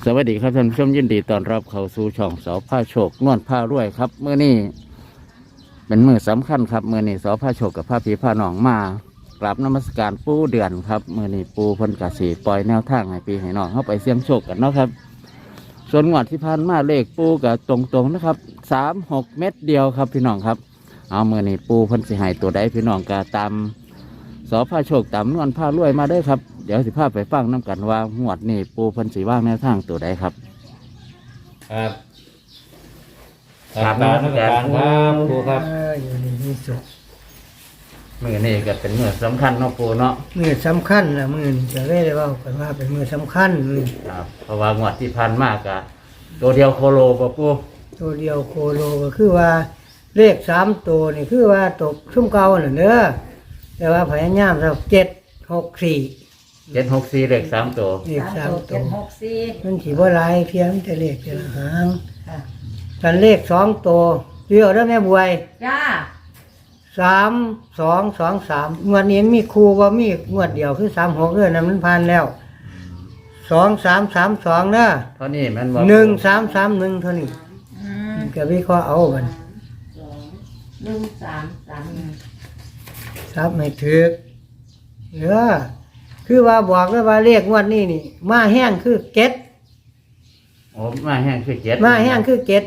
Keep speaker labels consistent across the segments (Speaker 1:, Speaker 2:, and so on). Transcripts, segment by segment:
Speaker 1: สวัสดีครับท่านผู้ชมยินดีต้อนรับเข้าสู่ช่องสอผ้าโชคนวลผ้ารวยครับเมื่อนี้เป็นมื้อสำคัญครับเมื่อนี้สอผ้าโชคกับผ้าผีผ้าหนองมากราบนมัสการปู่เดือนครับเมื่อนี้ปู่เพิ่นกสิปล่อยแนวทางให้พี่ให้น้องเข้าไปเสี่ยงโชคกันเนาะครับส่วนงวดที่ผ่านมาเลขปู่กับตรงๆนะครับ36 เม็ดเดียวครับพี่น้องครับเอาเมื่อนี้ปู่เพิ่นสิให้ตัวใดพี่น้องก็ตามสอผ้าโชคตามนวลผ้ารวยมาได้ครับเดี๋ยวสิพาไปฟังน้ำกันว่างวดนี้ปู่เพิ่นสิว่างแนวทางตัวใดครับ
Speaker 2: ครับ
Speaker 1: ครับนมัสการครับครูครับ
Speaker 3: อยู่ในที่สุด
Speaker 1: มือนี่ก็เป็นมือสำคัญเนาะปู่เนาะ
Speaker 3: มือสำคัญนะมือนี่จะได้ว่ากันว่าเป็นมือสำคัญมือ
Speaker 1: ครับเพราะว่างวดที่ผ่านมากะตัวเดียวโคโลป่ะปู่
Speaker 3: ตัวเดียวโคโลก็คือว่าเลข3 ตัวนี่คือว่าตกชุ่มเก่าน่ะเด้อแต่ว่าพยายามสัก764
Speaker 1: 764เลข3ตัว
Speaker 3: เลข3 ตัว
Speaker 4: 764
Speaker 3: มันสิบ่หลายเพียงแต่เลขแต่ละหาง
Speaker 4: ค่ะ
Speaker 3: กันเลข2 ตัวเดียวเด้อแม่บวย
Speaker 4: จ้า
Speaker 3: 3 2 2 3งวดนี้มีครูว่ามีงวดเดียวคือ36เด้อนั่นมันผ่านแล้ว2 3 3 2เด้อ
Speaker 1: เท่านี้แมันว่า
Speaker 3: 1331เท่านี้
Speaker 4: อืม
Speaker 3: ก็วิเคราะห์เอาบัน
Speaker 4: 1331
Speaker 3: ครับไม่ถือเออคือว่าบอกเลยว่าเลขงวดนี้นี่มาแห้งคือเก็ด
Speaker 1: โอ้มาแห้งคือ7
Speaker 3: มาแห้งคือเก็ด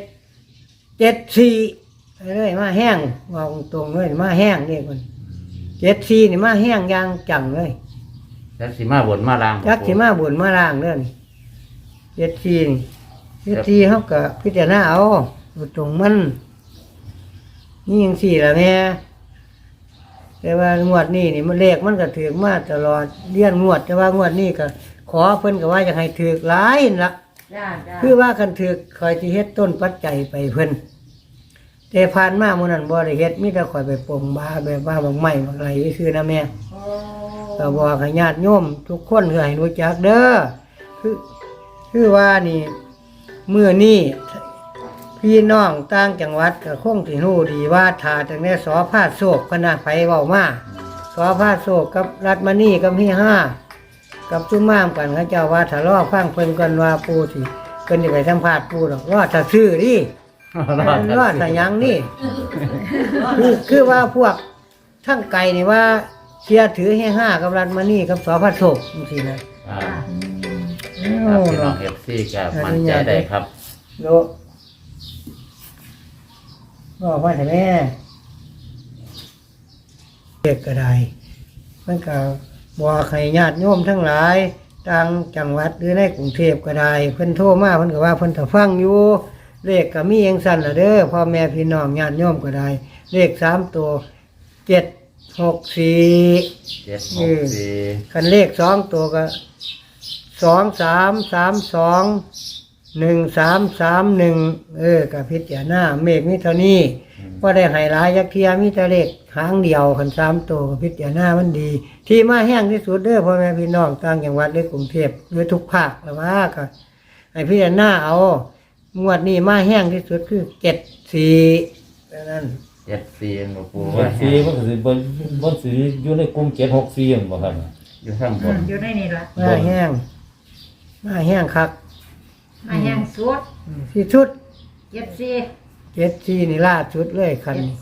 Speaker 3: 74เลยมาแห้งบอกตรงเลยมาแห้งนี่คน74นี่มาแห้งอยางจังเลย
Speaker 1: แล้วสิมาบนมาล่างบ่
Speaker 3: จักสิมาบุญมาล่างเด้อนี่74นี่74เฮาก็พิจารณาเอาตรงมันนี่จังซี่ล่ะแม่แต่ว่างวดนี้นี่มันเลขมันก็ถือมาตลอดเลี้ยนงวดแต่ว่างวดนี้ก็ขอเพิ่นก็ว่าอยากให้ถือหลายนั่นละ
Speaker 4: จ้าจ้า
Speaker 3: คือว่าคันถือคอยสิเฮ็ดต้นปัจจัยไปเพิ่นแต่ผ่านมามื้อนั้นบ่ได้เฮ็ดมีแต่คอยไปปลงบาแบบว่าบางไม้บางไรซื่อๆนะแม่
Speaker 4: โอ้
Speaker 3: ก็บอกให้ญาติโยมทุกคนคือให้รู้จักเด้อคือว่านี่มื้อนี้พี่น้องต่างจังหวัดก็คงสิรู้ดีว่าถ้าจังได๋สอพาโศกคณะไผเว้ามาสอพาโศกกับรัฐมณีกับเฮียห้ากับจุ่มม่ามกันเขาเจ้าว่าถ้ารอฟังเพิ่นกันว่าปู่สิเพิ่นสิไปสัมภาษณ์ปู่ดอกรอถ้าซื้อดิรอถ้าหยังนี่คือว่าพวกทั้งไก่นี่ว่าเชียร์ถือเฮียห้ากับรัฐมณีกับสอพาโศกจังซี่นะ
Speaker 1: ครับครับพี่น้อง FC ก็มั่นใจได้ครับ
Speaker 3: โลบอกว่าแต่แม่เด็กก็ได้มันก็บอกให้ญาติโยมทั้งหลายต่างจังหวัดหรือในกรุงเทพก็ได้เพิ่นโทรมาเพิ่นก็ว่าเพิ่นถ้าฟังอยู่เลขก็มีอย่างสั้นละเด้อพ่อแม่พี่น้องญาติโยมก็ได้เลข3 ตัว764
Speaker 1: 764
Speaker 3: คันเลข2 ตัวก็23321331กับพิจารณาเมฆมิเท่านี้ก็ได้ให้หลายยักเทียมีแต่เลขหางเดียวคัน3 ตัวกับพิจารณามันดี ที่มาแห้งที่สุดเด้อพ่อแม่พี่น้องต่างจังหวัดหรือกรุงเทพหรือทุกภาคแล้วว่าก็ให้พิจารณาเอางวดนี้มาแห้งที่สุดคือ74ดังนั้น
Speaker 1: 74บ่ปู่
Speaker 2: เจ็ดสี่มันก็สิบนสีอยู่ในกลุ่ม764บ่ครับ
Speaker 1: อยู่ข้างบน
Speaker 4: อยู่ในนี่ล่ะ
Speaker 3: มาแห้งคัก
Speaker 4: มาแห้งสุด
Speaker 3: ที่สุด
Speaker 4: 74
Speaker 3: 74นี่ล่าสุดเลยคันนี้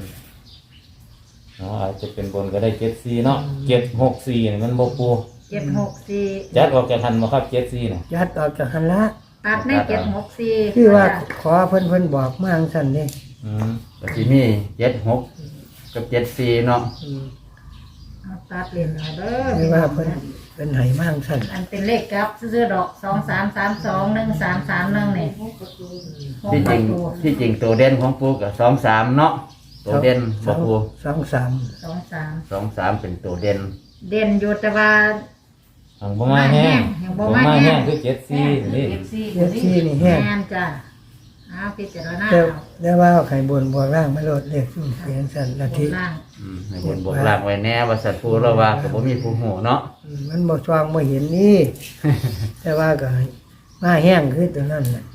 Speaker 4: 74
Speaker 2: อาจจะเป็นบนก็ได้74เนาะ764นี่มันบ่ปู
Speaker 4: 764
Speaker 2: จัดออกจากทันบ่ครับ74น่ะ
Speaker 3: ยัดออกจากหันละ
Speaker 4: ตัดใน764
Speaker 3: คือว่าขอเพิ่นบอกมาจังซั่นนี่
Speaker 1: ก็สิมี76กับ74เนาะ
Speaker 4: เอาตัดเล่นเอาเด้อ
Speaker 3: คือว่าเพิ่นให้มาจังซั่น
Speaker 4: อันเป็นเลขกลับซื้อๆดอก23321331นี่
Speaker 1: ที่จริงตัวเด่นของปู่ก็23เนาะตัวเด่นบ่ปู่
Speaker 3: 23
Speaker 1: 23เป็นตัวเด่น
Speaker 4: เด่นอยู่แต่ว่า
Speaker 2: ทางบ่มาแห้ง
Speaker 4: ยังบ่
Speaker 2: บ่
Speaker 4: มา
Speaker 2: มา
Speaker 4: แห้
Speaker 2: แห้
Speaker 4: ง
Speaker 2: งคือ74นี่
Speaker 3: 74นี่แห้ง
Speaker 4: แม่นจ้ะเอาพิจารณา
Speaker 3: แต่
Speaker 4: เอา
Speaker 3: แต่ว่าไข่บนบ่ล่างไม่ลดเลขซุ่มเสียงซั่นละ
Speaker 4: บ
Speaker 3: ที
Speaker 4: นล่าง
Speaker 1: ให้บนบกลางไว้แน่ว่าสัตว์ปู่เราว่าก็บ่มีผู้ฮู้เนาะ
Speaker 3: มันบ่สว่างบ่เห็นนี่ แต่ว่าก็ให้มาแห้งคือตัวนั้นน่ะ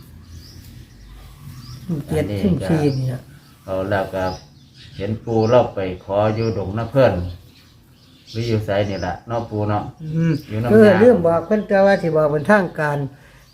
Speaker 3: เจ็ดซุ่ม4นี่น่ะ
Speaker 1: เอาแล้วก็เห็นปู่เราไปขออยู่ดงน้าเพิ่นหรืออยู่ไสนี่ล่ะเนาะปู่เนาะ
Speaker 3: อืม
Speaker 1: อยู่นำ
Speaker 3: เรื่องบอกเพิ่นแต่ว่าสิบอกเป็นทางการ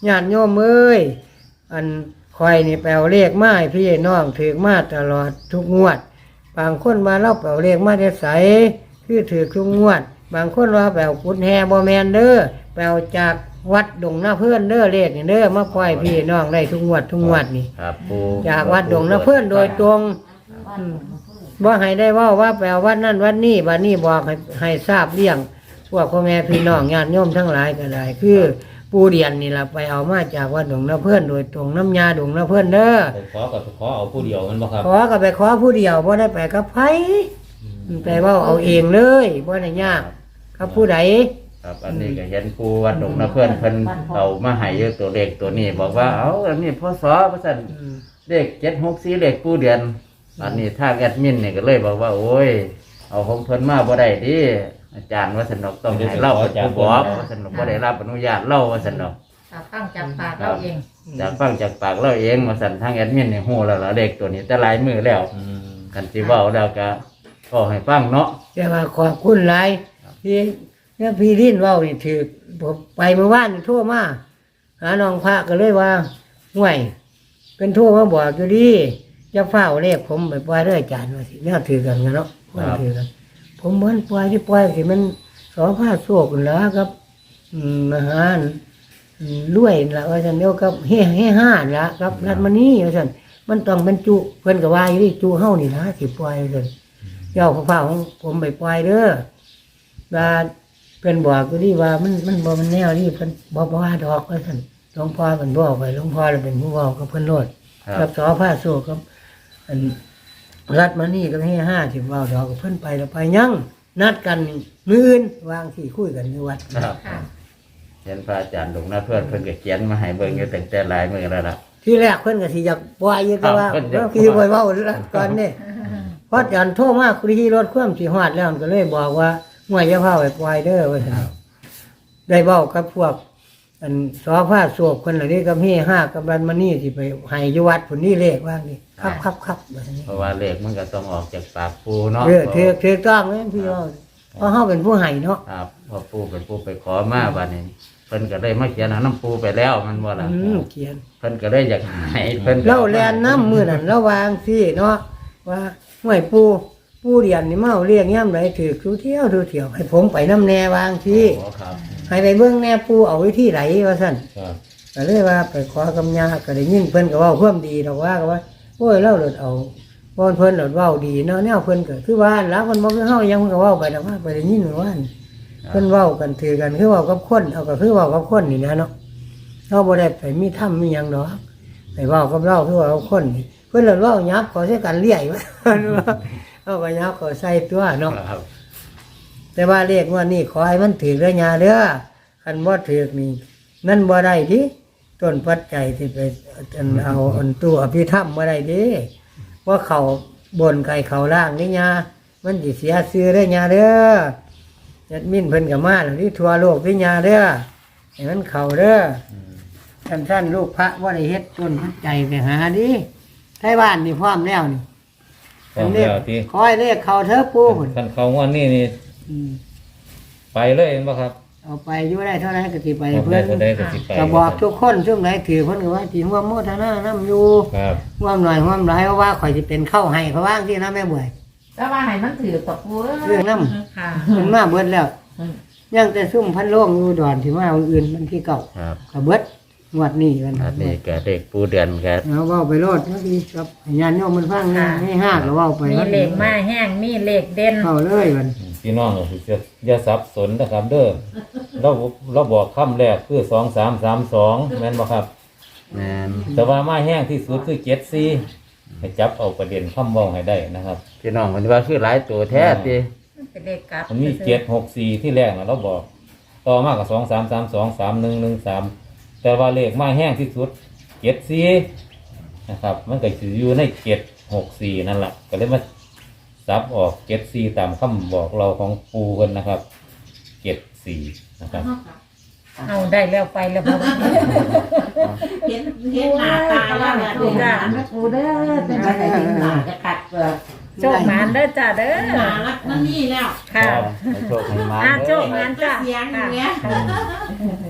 Speaker 3: ญาติโยมเอ้ยอันคอยนี่แปลเลขมาให้พี่น้องถือมาตลอดทุกงวดบางคนมาเล่าแปลเลขมาได้ใสคือถือทุกงวดบางคนว่าแปลกุดแฮบ่แมนเด้อแปลจากวัดดงนาเพื่อนเด้อเลขนี่เด้อมาปล่อยพี่น้องได้ทุกงวดนี่
Speaker 1: ครับปู
Speaker 3: จากวัดดงนาเพื่อนโดยตรงว่าให้ได้ว่าแปลวัดนั่นวัดนี่วัดนี่บอกให้ทราบเรื่องพวกพ่อแม่พี่น้องญาติโยมทั้งหลายก็ได้คือปูเดียนนี่ล่ะไปเอามาจากวัดดงนาเพื่อนโดยตรงน้ำยาดงนาเพื่อนเด้อ
Speaker 2: ไปขอกับขอเอาผู้เดียวมันบ่ครับ
Speaker 3: ขอก็ไปขอผู้เดียวบ่ได้ไปกับไผไปเว่าเอาเองเลยบ่ได้ยากกับผู้ใด
Speaker 1: ครับอันนี้ก็เห็นปูวัดดงนะเพื่อนเพิ่นเอามาให้อยู่ตัวเลขตัวนี้ บอกว่าเอาอันนี้พศว่าซั่นเลข764เลขปูเดือนอันนี้ทางแอดมินนี่ก็เลยบอกว่าโอ้ยเอาของเพิ่นมาบ่ได้ดิอาจารย์ว่าสนอกต้องให้เล่าเป็นผู้บอกว่าสนอกบ่ได้รับอนุญาตเล่าว่าสนอก
Speaker 4: ฟังจากปากเราเอง
Speaker 1: จากฟังจากปากเราเองว่าซั่นทางแอดมินนี่ฮู้แล้วล่ะเลขตัวนี้แต่หลายมือแล้ว กันสิเว้าแล้วก็ให้ฟังเนาะ
Speaker 3: แต่ว่าขอบคุณหลายพี่เนี่ยพี่ลิ้นเว้านี่ถือผมไปเมื่อวานนี่โทรมาหาน้องพระก็เลยว่าห่วยเป็นโทรมาบอกอยู่ดีจะเฝ้าเลขผมไปปล่อยเด้ออาจารย์ว่าสิเนี่ยถือกันเนาะว่าถือกันผมเหมือนปล่อยที่ปล่อยสิมันสองผ้าโศกนั่นล่ะครับอาหารรวยนั่นล่ะว่าซั่นเดียวกับเฮ่ห้านั่นล่ะครับรัดมานี่ว่าซั่นมันต้องเป็นจุเพิ่นก็ว่าอยู่ดิจุเฮานี่นะสิปล่อยซั่นเจ้าข้าวของผมไปปล่อยเด้อว่าเพิ่นบอกอยู่ดิว่ามันบ่มันแนวนี่เพิ่นบ่ว่าดอกว่าซั่นหลวงพ่อเพิ่นบอกไว้หลวงพ่อเลยเป็นผู้เว้ากับเพิ่นโลดกับสอผ้าโศกกับอันรัดมานี่ก็ให้50เว้าดอกกับเพิ่นไปแล้วไปยังนัดกันมื้ออื่นวางที่คุยกันอยู่วัด
Speaker 1: ครับเห็นพระอาจารย์ดงนะเพื่อนเพิ่นก็เขียนมาให้เบิ่งอยู่ตั้งแต่หลายมื้อแล้วล่ะ
Speaker 3: ที่แรกเพิ่นก็สิอยากปล่อยอยู่แต่ว่า
Speaker 1: ครับเพิ่นอยาก
Speaker 3: คือบ่เว้าแล้วก่อนนี่เพราะอาจารย์โทรมาคุยที่รถความสิฮอดแล้วก็เลยบอกว่าห่วยอย่าพาไปปล่อยเด้อว่าซั่นได้เว้ากับพวกอันสอผ้าโศกเพิ่นเหล่านี้กับเฮห้ากับบันมานี่สิไปให้อยู่วัดพุ่นนี่เลขว่านี่ครับว่าซั่นนี่
Speaker 1: เพราะว่าเลขมันก็ต้องออกจากปากปูเนาะ
Speaker 3: ถือต้องเลยพี่น้องเพราะเฮาเป็นผู้ให้เนาะ
Speaker 1: ครับพอปูเป็นปูไปขอมาบัดนี้เพิ่นก็ได้มาเขียนหาน้ำปูไปแล้วมันว่าล่ะ
Speaker 3: เขียน
Speaker 1: เพิ่นก็ได้อยากให้เพิ่น
Speaker 3: เล่าแลนน้ำมือนั่นระวางสิเนาะว่าห่วยปูเรียนนี่เมาเรียกย่ำไรถือทุเที่ยวให้ผมไปน้ำแน่วางสิ
Speaker 1: อ๋อครับ
Speaker 3: ให้ไปเบื้องแน่ปูเอาไว้ที่ไหนว่าสั่น
Speaker 2: ครับ
Speaker 3: ก็เลยว่าไปขอกำยาก็ได้ยินเพิ่นก็เว่าเพิ่มดีดอกว่าก็ว่าโอ้ยเล่าหลดเอาเพิ่นหลดเว้าดีเนาะแนวเพิ่นก็คือว่าแล้วมันบ่คือเฮายังเพิ่นก็เว้าไปนะว่าไปได้ยินว่าเพิ่นเว้ากันถือกันคือเว้ากับคนเอาก็คือเว้ากับคนนี่นะเนาะเฮาบ่ได้ไปมีถ้ำมีหยังดอกไปเว้ากับเราคือเว้ากับคนนี่เพิ่นหลดเว้ายับขอใช้กันเลี้ยว่าเอาก็ยับขอใส่ตัวเนาะ
Speaker 1: ครับ
Speaker 3: แต่ว่าเลขว่านี่ขอให้มันถือเด้อยาเด้อคันบ่ถือนี่นั่นบ่ได้ดิต้นปัจจัยที่ไปเอาอันตู้อภิธรรมบ่ได้ดิว่าเขาบนไก่เขาล่างนี่ยามันสิเสียชื่อเด้อยาเด้อจัดมิ้นเพิ่นก็มาแล้วที่ทั่วโลกนี่ยาเด้อให้มันเข้าเด้อท่านลูกพระบ่ได้เฮ็ดต้นปัจจัยไปหาดิไทบ้านนี่พร้อมแล้วนี่
Speaker 2: พร้อมแล้วที่
Speaker 3: คอยเลขเข้าเถอะปู่พุ่น
Speaker 2: คันเขางอนนี่ไปเลยเห็นบ่ครับ
Speaker 3: เอาไปอยู่ได้เท่านั้นก็สิไป
Speaker 2: ออก
Speaker 3: เพื่
Speaker 2: ได้
Speaker 3: อน
Speaker 2: ก็ได้ก็สิไป
Speaker 3: ก็บอกทุกคนช่วงไหนถือเพิ่นก็ว่าสิร่วมโมทนานํอยู่
Speaker 2: ครับ
Speaker 3: ร่วมหน่อยร่วมหลายเพราะว่าข่อยสิเป็นเข้าให้เขาว่างที่นะแม่บ่วย
Speaker 4: แต่ว่าให้มันถือตกหัว
Speaker 3: เรื่องน้
Speaker 4: ค่ะ
Speaker 3: มันมาเบิดแล้วยังแต่ซุ่มพันโล่งอยู่ดอนที่มาวันอื่นมันที่เก่า
Speaker 1: ครับ
Speaker 3: ก็เบิดงวดนี้กัน
Speaker 1: อันนี้ก็เลขปูเดือนครับ
Speaker 3: เอาเว้าไปโลดเมื่อกี้กับญาติโยมมันฟังนะให้ห้าก็เว้าไป
Speaker 4: มีเลขมาแห้งมีเลขเด่น
Speaker 3: เข้าเลยมัน
Speaker 2: พี่น้องก็คืออย่าสับสนนะครับเด้อเราบอกคำแรกคือ2332แม่นบ่ครับ
Speaker 1: แม่น
Speaker 2: แต่ว่ามาแห้งที่สุดคือ74ให้จับเอาประเด็นคำเว้าให้ได้นะครับ
Speaker 1: พี่น้องมันว่าคือหลายตัวแท้ติ
Speaker 4: เป็นเลขกลับ
Speaker 2: มันมี764ที่แรกนะเราบอก ต่อมากับ23323113แต่ว่าเลขมาแห้งที่สุด74นะครับ มันก็สิอยู่ใน764นั่นแหละก็เลยมาซับออก74ตามคำบอกเราของปูกันนะครับ74นะครับ
Speaker 4: เอาได้แล้วไปแล้วบ่
Speaker 5: เห็นหน้าตาแล้วเนี่ยดูหน้านะกูเด้อเป็นไปได้เห็นหน้าจะกัดเปลือก
Speaker 4: โชคหมานเด้อจ้าเด้อ
Speaker 5: หน้ารักนั่นนี่แล้ว
Speaker 4: ค่ะ
Speaker 1: ให้โชคให้มา
Speaker 4: โชคหมานจ้า
Speaker 5: เสียงอย่างเงี้ย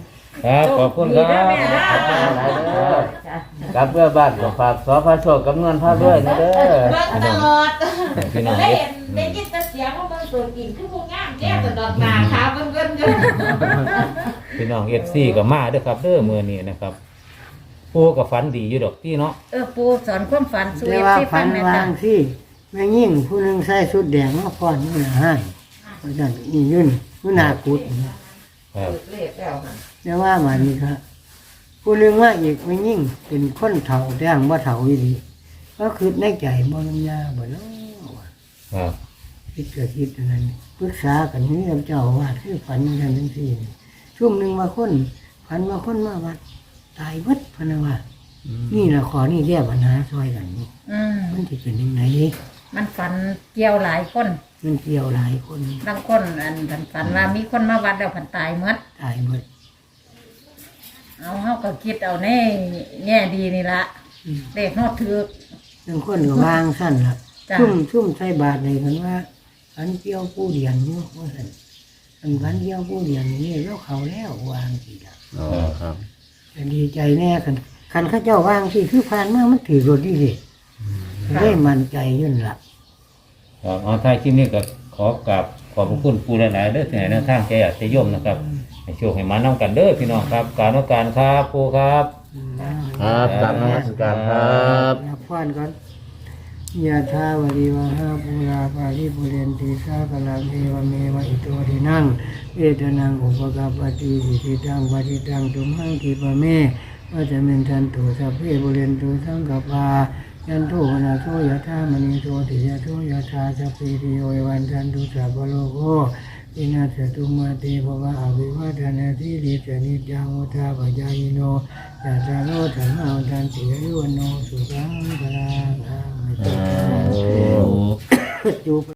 Speaker 2: ครับขอบคุณครับ
Speaker 4: ดีนะแม่นะ
Speaker 1: ขอบคุณหลายเด้อกลับเพื่อบ้านก็ฝากสพโชคกับนวลพาด้วยนะเด้อ
Speaker 5: เบิ่งตลอด
Speaker 2: พี่น้อง
Speaker 5: ได้
Speaker 2: เอฟ
Speaker 5: เห็นได้ยินแต่เสียงว่ามันตัวกินคือผู้งามแก้วแต่ดอกหนาขาวเบิ่งๆกัน
Speaker 2: พี่น้องเอฟซีก็มาเด้อครับเด้อมื้อนี้นะครับปูก็ฝันดีอยู่ดอกพี่เนาะ
Speaker 4: ปูสอนความฝันสู่
Speaker 3: แต่
Speaker 4: เอฟ
Speaker 3: ว่า
Speaker 4: ซี
Speaker 3: ฝั
Speaker 4: ฟั
Speaker 3: น
Speaker 4: งแม่
Speaker 3: วา
Speaker 4: จ้ะ
Speaker 3: งที่แม่ยิ่งผู้หนึงใส่ชุดแดงมาฟ้อนนี่นะให้เพราะฉะนั้นนี่ยื่นมือหนากุด
Speaker 2: ครับ
Speaker 5: เลขแล้วค่ะ
Speaker 3: แต่ว่ามานี่ครับผู้หนึงว่าอีกแม่ยิ่งเป็นคนเฒ่าแต่งว่าเฒ่าอีหลีก็คือในใจบ่ลำยาบ่เนาะ
Speaker 2: ครับ
Speaker 3: คิดเกิดคิดอันนั้นปรึกษากันนี่เจ้าว่าคือฝันอย่างนั้นจังซี่ช่วงหนึงมาคนฝันว่าคนมาวัดตายวัดพะนะว่านี่ล่ะขอนี่แก้ปัญหาช่วยกันนี่
Speaker 4: อืม
Speaker 3: มันสิเป็นยังไง
Speaker 4: มันฝันเกี่ยวหลายคน
Speaker 3: มันเกี่ยวหลายคน
Speaker 4: บางคนอันฝันว่ามีคนมาวัดแล้วผันตายหมด
Speaker 3: ตายหมด
Speaker 4: เอาเฮาก็คิดเอาแน่แง่ดีนี่ละเด็กนอดถือก
Speaker 3: บางคนก็วางสั้นล่ะ
Speaker 4: จ้ะ
Speaker 3: ซุ่มใส่บาตรเลยกันว่าฝันเกี่ยวผู้เดียนอยู่ว่าซั่นอันฝันเกี่ยวผู้เดียนนี่แล้วเขาแล้ววางสิล่ะ
Speaker 1: อ๋อครับ
Speaker 3: แต่ดีใจแน่คันเข้าเจ้าวางสิคือผ่านมามันถือรถดีสิได้มั่นใจอยุ่นล่ะ
Speaker 2: ครับเอาท้ายคลิปนี้ก็ขอกราบขอบพระคุณปูหลายๆเด้อที่ให้แนวทางแก่จะย่อมนะครับให้โชคให้มานํกันเด้อพี่น้องครับการต้องการครับปูครับ
Speaker 1: ครับกลับนมัสการครับ
Speaker 3: นับฟันก่อนยะทาวริวหาปุราปาริปุเรนติสากลังเอวเมวะอิโตทินังเอตนังอุปกาปฏิสิทิตังปฏิตังตุมหังคิปะเมวะจะเมนทันตุสัพเพปุเรนตุสังกปายันโทวนาโทยะธามณีโทติยะโทยะธาสัพพิติโยวันทันตุสัพพโลโกอินาสตุมาเตภวะอภิวาทนาทิริสนิจังอุทาปจายโนยะตาโลธรรมาวันทันติยโนสุขังพลัง จูบ